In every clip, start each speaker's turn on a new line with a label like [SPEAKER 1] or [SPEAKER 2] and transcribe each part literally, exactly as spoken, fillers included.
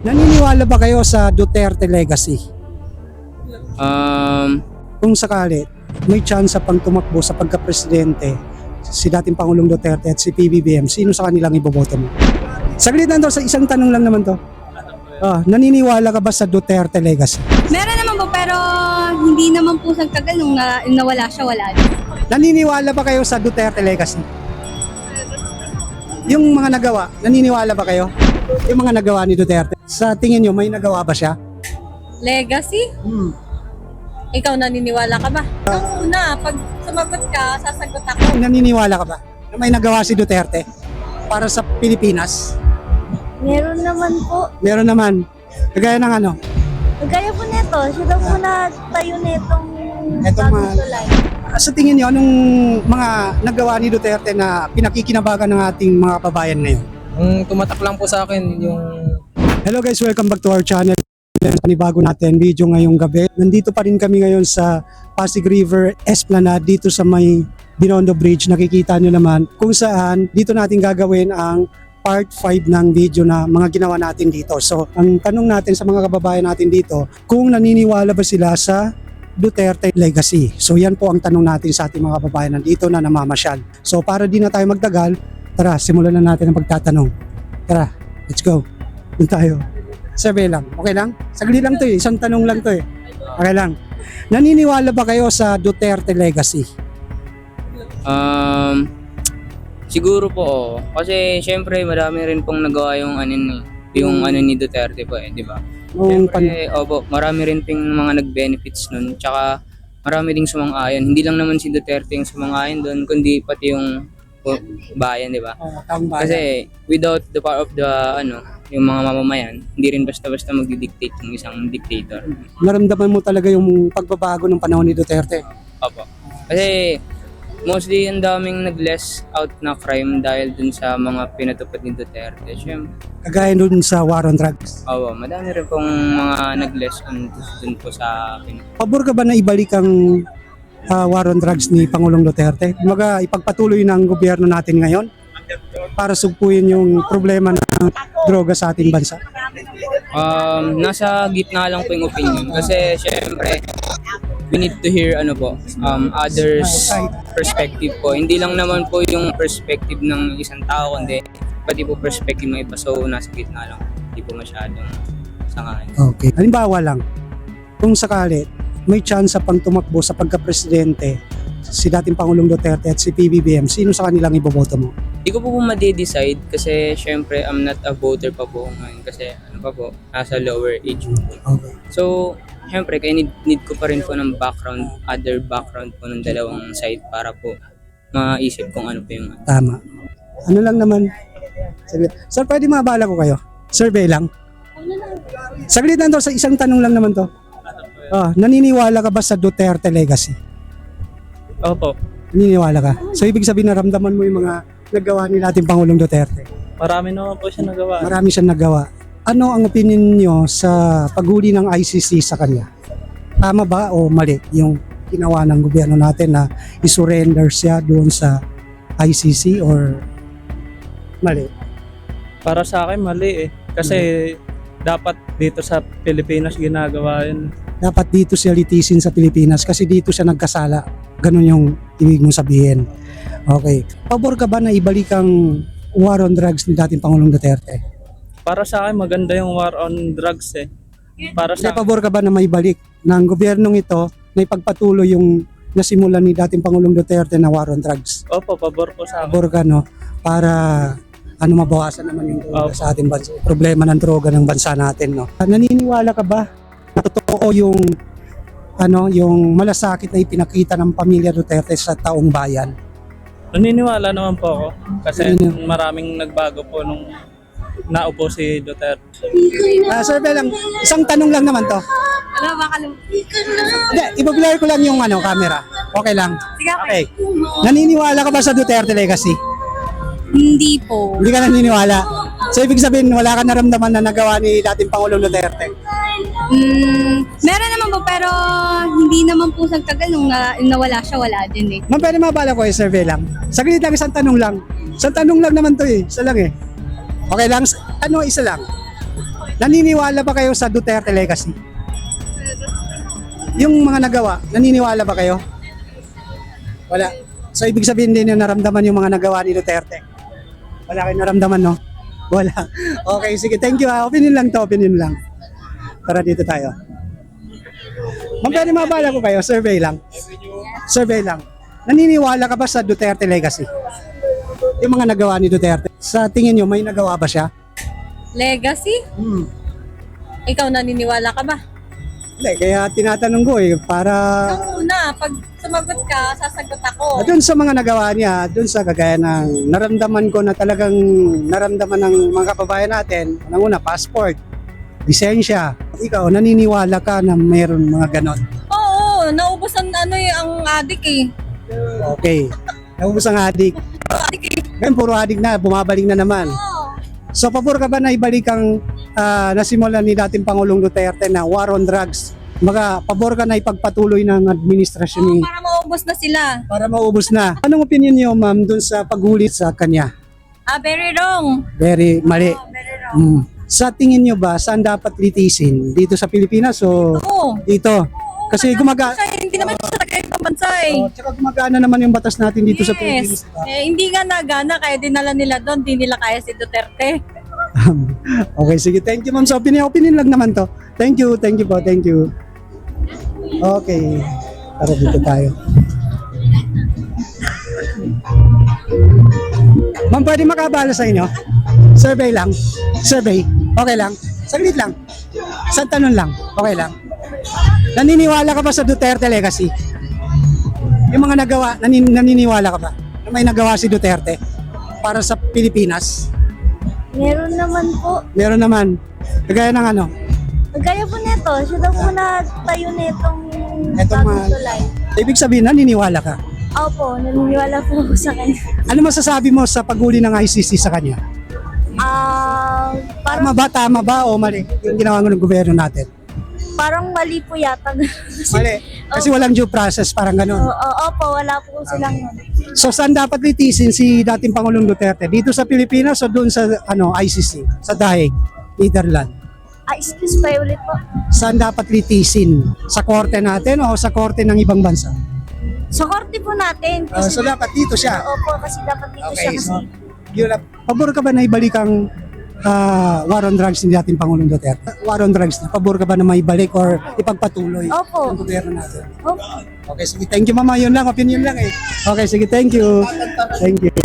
[SPEAKER 1] Naniniwala ba kayo sa Duterte legacy?
[SPEAKER 2] Um,
[SPEAKER 1] Kung sakali, may chance pang tumakbo sa pagka-presidente si dating Pangulong Duterte at si P B B M, sino sa kanilang iboboto mo? Saglit lang to, sa isang tanong lang naman to. Ah, naniniwala ka ba sa Duterte legacy?
[SPEAKER 3] Meron naman po, pero hindi naman po nagtagal nung na, nung nawala siya, wala din.
[SPEAKER 1] Naniniwala ba kayo sa Duterte legacy? Yung mga nagawa, naniniwala ba kayo? Yung mga nagawa ni Duterte, sa tingin nyo, may nagawa ba siya?
[SPEAKER 4] Legacy?
[SPEAKER 1] Hmm.
[SPEAKER 4] Ikaw naniniwala ka ba? Ang una, pag sumagot ka, sasagot ako.
[SPEAKER 1] Naniniwala ka ba na may nagawa si Duterte para sa Pilipinas?
[SPEAKER 5] Meron naman po.
[SPEAKER 1] Meron naman. Kagaya ng ano?
[SPEAKER 5] Kagaya po nito, siya daw po na tayo nitong
[SPEAKER 1] Etong
[SPEAKER 5] bagong
[SPEAKER 1] mga-
[SPEAKER 5] tulay.
[SPEAKER 1] Sa tingin niyo, anong mga nagawa ni Duterte na pinakikinabagan ng ating mga kababayan ngayon?
[SPEAKER 2] ang tumatak lang po sa akin yung
[SPEAKER 1] Hello guys, welcome back to our channel. Panibago natin video ngayong gabi. Nandito pa rin kami ngayon sa Pasig River Esplanade dito sa may Binondo Bridge. Nakikita nyo naman kung saan dito natin gagawin ang part five ng video na mga ginawa natin dito. So, ang tanong natin sa mga kababayan natin dito, kung naniniwala ba sila sa Duterte legacy. So, yan po ang tanong natin sa ating mga kababayan nandito na namamasyal. So, para di na tayo magtagal, tara, simulan na natin ang pagtatanong. Tara, let's go. Doon tayo. Survey lang. Okay lang? Saglit lang to eh. Isang tanong lang to eh. Okay lang. Naniniwala ba kayo sa Duterte legacy?
[SPEAKER 2] um, siguro po oo. Kasi syempre marami rin pong nagawa yung ano ni yung ano ni Duterte po eh, di ba?
[SPEAKER 1] Noong pan-
[SPEAKER 2] Syempre, opo, marami rin ping mga nag-benefits nun. Tsaka marami ding sumang-ayon. Hindi lang naman si Duterte yung sumang-ayon doon, kundi pati yung o, bayan, di ba?
[SPEAKER 1] Oh, taong bayan.
[SPEAKER 2] Kasi without the power of the ano, yung mga mamamayan, hindi rin basta-basta magdi-dictate yung isang dictator.
[SPEAKER 1] Naramdaman mo talaga yung pagbabago ng panahon ni Duterte.
[SPEAKER 2] Opo. Kasi mostly ang daming nag-less out na crime dahil dun sa mga pinatupad ni Duterte. Siyempre,
[SPEAKER 1] Kagaya dun sa war on drugs.
[SPEAKER 2] opo, madami rin pong mga nag-less on dun po sa pin-
[SPEAKER 1] Pabor ka ba na ibalik ang ah, war on drugs ni Pangulong Duterte? Kumaga, ipagpatuloy ng gobyerno natin ngayon para sugpuin yung problema ng droga sa ating bansa.
[SPEAKER 2] Um, nasa gitna lang po yung opinion. Kasi syempre, we need to hear ano po, um, others perspective po. Hindi lang naman po yung perspective ng isang tao, kundi pati po perspective ng iba. So, nasa gitna lang. Hindi po masyadong sangayon.
[SPEAKER 1] Okay. Halimbawa lang, kung sakali, may chance pang tumakbo sa pagka-presidente si dating Pangulong Duterte at si P B B M, sino sa kanilang iboboto mo?
[SPEAKER 2] Hindi ko po po ma-decide kasi syempre I'm not a voter pa po ngayon kasi ano pa po, nasa lower age po.
[SPEAKER 1] Okay.
[SPEAKER 2] So, syempre, kaya need, need ko pa rin po ng background, other background po ng dalawang side para po maisip kung ano po yung
[SPEAKER 1] Tama. Ano lang naman? Saglit. Sir, pwede mabala ko kayo? Survey lang. Saglit lang to, sa isang tanong lang naman to. Ah, naniniwala ka ba sa Duterte legacy?
[SPEAKER 6] Opo,
[SPEAKER 1] Naniniwala ka? So, ibig sabihin naramdaman mo yung mga nagawa ni dating Pangulong Duterte.
[SPEAKER 6] marami naman po siya nagawa.
[SPEAKER 1] Marami siyang nagawa. Ano ang opinion niyo sa paghuli ng I C C sa kanya? Tama ba o mali yung ginawa ng gobyerno natin na isurrender siya doon sa I C C or mali?
[SPEAKER 6] Para sa akin, mali eh. Kasi dapat dito sa Pilipinas ginagawa yun.
[SPEAKER 1] Dapat dito siya litisin sa Pilipinas kasi dito siya nagkasala. Ganun yung ibig mong sabihin. Okay. Pabor ka ba na ibalik ang war on drugs ni dating Pangulong Duterte?
[SPEAKER 6] Para sa akin, maganda yung war on drugs eh. Para
[SPEAKER 1] Sa
[SPEAKER 6] sa
[SPEAKER 1] pabor ka ba na maibalik ng gobyernong ito na ipagpatuloy yung nasimulan ni dating Pangulong Duterte na war on drugs?
[SPEAKER 6] Opo, pabor po sa akin.
[SPEAKER 1] Pabor ka, no? Para ano mabawasan naman yung droga
[SPEAKER 6] Opo.
[SPEAKER 1] sa ating bansa. Problema ng droga ng bansa natin, no? Naniniwala ka ba na totoo yung ano, yung malasakit na ipinakita ng pamilya Duterte sa taong bayan?
[SPEAKER 6] Naniniwala naman po ako. Kasi
[SPEAKER 1] Naniniwala.
[SPEAKER 6] maraming nagbago po nung naupo si Duterte.
[SPEAKER 1] Ah, sir, lang, isang tanong lang naman to.
[SPEAKER 3] Ano, baka lang.
[SPEAKER 1] Hindi, ibablur ko lang yung ano, camera. Okay lang.
[SPEAKER 3] Sige, okay.
[SPEAKER 1] Okay. Naniniwala ka ba sa Duterte legacy?
[SPEAKER 3] Hindi po.
[SPEAKER 1] Hindi ka naniniwala. So, ibig sabihin, wala ka naramdaman na nagawa ni dating Pangulong Duterte?
[SPEAKER 3] Mm, meron naman po, pero hindi naman po nagtagal nung na, nung nawala siya, wala din eh.
[SPEAKER 1] Ma'am, pwede mabala ko eh, survey lang. Saglit lang, isang tanong lang. Isang tanong lang naman to eh. Isa lang eh. Okay lang? Ano, isa lang. Naniniwala ba kayo sa Duterte legacy? Yung mga nagawa, naniniwala ba kayo? Wala. So ibig sabihin din yung naramdaman yung mga nagawa ni Duterte. Wala kayong naramdaman, no? Wala. Okay, sige. Thank you ha. Opinion lang to, opinion lang. Tara dito tayo. Ma'am, pwede mabala ko kayo? Survey lang. Survey lang. Naniniwala ka ba sa Duterte legacy? Yung mga nagawa ni Duterte. Sa tingin nyo, may nagawa ba siya?
[SPEAKER 4] Legacy?
[SPEAKER 1] Hmm.
[SPEAKER 4] Ikaw naniniwala ka ba?
[SPEAKER 1] Hindi, kaya tinatanong ko eh, para...
[SPEAKER 4] Nung una, pag sumagot ka, sasagot ako.
[SPEAKER 1] Doon sa mga nagawa niya, doon sa kagaya ng naramdaman ko na talagang naramdaman ng mga kababayan natin, unang-una, passport, lisensya. Ikaw, naniniwala ka na mayroon mga ganon?
[SPEAKER 4] Oo, naubos ang ano eh, ang adik eh.
[SPEAKER 1] Okay. Naubos ang adik. Ngayon, puro adik na, bumabalik na naman.
[SPEAKER 4] Oo.
[SPEAKER 1] So, pabor ka ba na ibalik ang ah, nasimulan ni dating Pangulong Duterte na war on drugs? Maga, pabor ka na ipagpatuloy ng administrasyon ni
[SPEAKER 4] Para maubos na sila.
[SPEAKER 1] para maubos na. Anong opinion niyo, ma'am, dun sa paghuli sa kanya?
[SPEAKER 4] Ah, very wrong.
[SPEAKER 1] Very mali.
[SPEAKER 4] Oh, very wrong.
[SPEAKER 1] Mm. Sa tingin niyo ba, saan dapat litisin? Dito sa Pilipinas o
[SPEAKER 4] Oo.
[SPEAKER 1] dito? Kasi gumaga...
[SPEAKER 4] Kasi hindi naman siya taga ibang bansa eh.
[SPEAKER 1] Oh, tsaka gumagana naman yung batas natin dito sa Pilipinas.
[SPEAKER 4] Yes.
[SPEAKER 1] diba?
[SPEAKER 4] Eh, hindi nga nagana, kaya dinala nila doon, di nila kaya si Duterte.
[SPEAKER 1] Okay, sige. Thank you, ma'am. Sa opinion, opinion lang naman to. Thank you, thank you po, thank you. Okay. Tara dito tayo. Ma'am, pwede makabala sa inyo? Survey lang. Survey. Okay lang. Saglit lang. Isang tanong lang. Okay lang. Naniniwala ka ba sa Duterte legacy? Yung mga nagawa, nanin, naniniwala ka ba? Na may nagawa si Duterte para sa Pilipinas?
[SPEAKER 5] Meron naman po.
[SPEAKER 1] Meron naman. Kagaya ng ano?
[SPEAKER 5] Gaya po neto, siya daw po nagtayo netong
[SPEAKER 1] Etong
[SPEAKER 5] bagong
[SPEAKER 1] mga-
[SPEAKER 5] tulay.
[SPEAKER 1] Ibig sabihin, naniniwala ka.
[SPEAKER 5] Opo, naniniwala po ako sa kanya.
[SPEAKER 1] Ano masasabi mo sa paghuli ng I C C sa kanya?
[SPEAKER 5] Ah,
[SPEAKER 1] Tama
[SPEAKER 5] parang,
[SPEAKER 1] ba, tama ba o mali yung ginawa ng gobyerno natin?
[SPEAKER 5] parang mali po yata.
[SPEAKER 1] Mali. Kasi walang due process, parang
[SPEAKER 5] Oo,
[SPEAKER 1] ganun.
[SPEAKER 5] opo, wala po silang
[SPEAKER 1] So saan dapat litisin si dating Pangulong Duterte? Dito sa Pilipinas o doon sa ano I C C? Sa Daig, Netherlands?
[SPEAKER 5] Ah, excuse pa ulit po.
[SPEAKER 1] Saan dapat litisin? Sa korte natin o sa korte ng ibang bansa?
[SPEAKER 5] Sa korte po natin.
[SPEAKER 1] Ah, so dapat dito siya.
[SPEAKER 5] Opo, kasi dapat dito siya
[SPEAKER 1] Okay,
[SPEAKER 5] kasi.
[SPEAKER 1] so yun lang. Pabor ka ba na ibalik ang ah, war on drugs ni dating Pangulong Duterte? War on drugs na, pabor ka ba na maibalik or ipagpatuloy
[SPEAKER 5] Opo.
[SPEAKER 1] ang gobyerno natin?
[SPEAKER 5] Opo.
[SPEAKER 1] Okay, sige. Thank you, mama. Yun lang. Opinion lang eh. Okay, sige. Thank you. Thank you.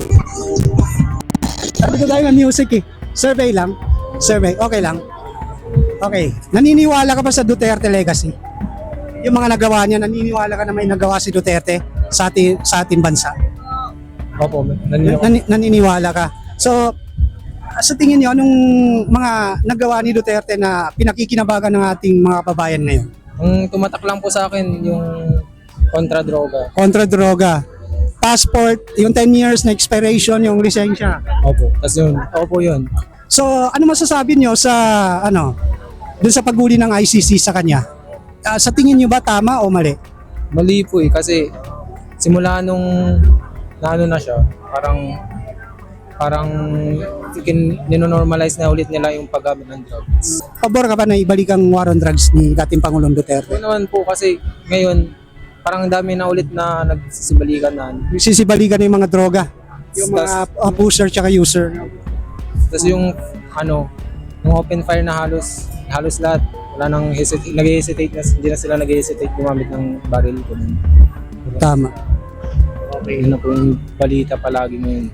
[SPEAKER 1] Sabi ko tayo ng music eh. Survey lang. Survey. Okay lang. Okay. Naniniwala ka ba sa Duterte legacy? Yung mga nagawa niya, naniniwala ka na may nagawa si Duterte sa ating, sa ating bansa?
[SPEAKER 6] Opo, naniniwala.
[SPEAKER 1] Nani- naniniwala ka. So, sa tingin niyo, anong mga nagawa ni Duterte na pinakikinabagan ng ating mga kababayan ngayon?
[SPEAKER 2] Ang tumatak lang po sa akin yung kontra droga.
[SPEAKER 1] Kontra droga, passport, yung ten years na expiration, yung lisensya.
[SPEAKER 2] Opo. Tapos yun, opo yun.
[SPEAKER 1] So, ano masasabi niyo sa, ano, dun sa paghuli ng I C C sa kanya? Ah, sa tingin niyo ba tama o mali?
[SPEAKER 2] Mali po eh, kasi simula nung naano na siya, parang parang kin- ninonormalize na ulit nila yung paggamit ng drugs.
[SPEAKER 1] Pabor ka ba na ibalik ang war on drugs ni dating Pangulong Duterte?
[SPEAKER 2] Yun naman po kasi ngayon, parang ang dami na ulit na nagsisibalikan na.
[SPEAKER 1] Sisibalikan na yung mga droga, yung mga uh, pusher tsaka user.
[SPEAKER 2] Tapos yung ano, yung open fire na halos halos lahat, wala nang hesitate, nag-hesitate na, hindi na sila nag-hesitate gumamit ng baril ko.
[SPEAKER 1] Tama.
[SPEAKER 2] Okay. Yun na po yung balita palagi ngayon.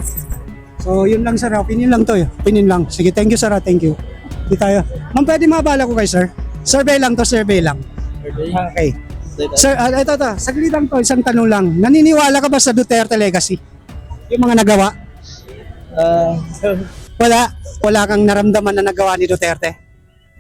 [SPEAKER 1] So, yun lang sir. Opinion lang to eh. Opinion lang. Sige, thank you sir. ah. Thank you. Di tayo. Ma'am, pwede mabala ko kay sir? Survey lang to, survey lang. Okay. Sir, uh, ito, ito. Saglit lang to. Isang tanong lang. Naniniwala ka ba sa Duterte legacy? Yung mga nagawa?
[SPEAKER 6] Ah,
[SPEAKER 1] Wala. Wala kang naramdaman na nagawa ni Duterte?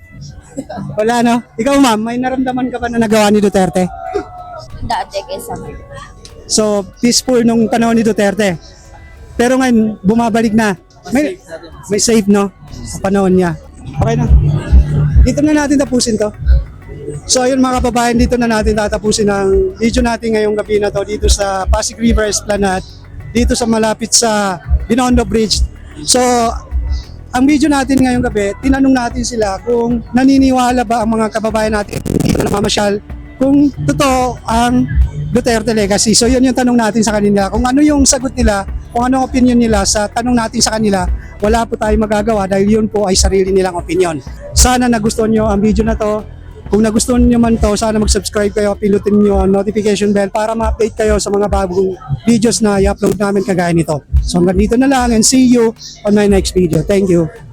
[SPEAKER 1] Wala, no? Ikaw, ma'am, may naramdaman ka ba na nagawa ni Duterte?
[SPEAKER 5] Dati kaysa.
[SPEAKER 1] So, peaceful nung panahon ni Duterte. Pero ngayon, bumabalik na. May, may safe, no? Sa panahon niya. Okay na. Dito na natin tapusin to. So, ayun mga kababayan, dito na natin tatapusin ang video natin ngayong gabi na to dito sa Pasig River Esplanade, dito sa malapit sa Binondo Bridge. So, ang video natin ngayong gabi, tinanong natin sila kung naniniwala ba ang mga kababayan natin dito na mamasyal kung totoo ang Duterte legacy. So yun yung tanong natin sa kanila. Kung ano yung sagot nila, kung anong opinion nila sa tanong natin sa kanila, wala po tayong magagawa dahil yun po ay sarili nilang opinion. Sana nagustuhan nyo ang video na to. Kung nagustuhan nyo man to, sana mag-subscribe kayo, pinutin nyo ang notification bell para ma-update kayo sa mga bagong videos na i-upload namin kagaya nito. So hanggang dito na lang and see you on my next video. Thank you.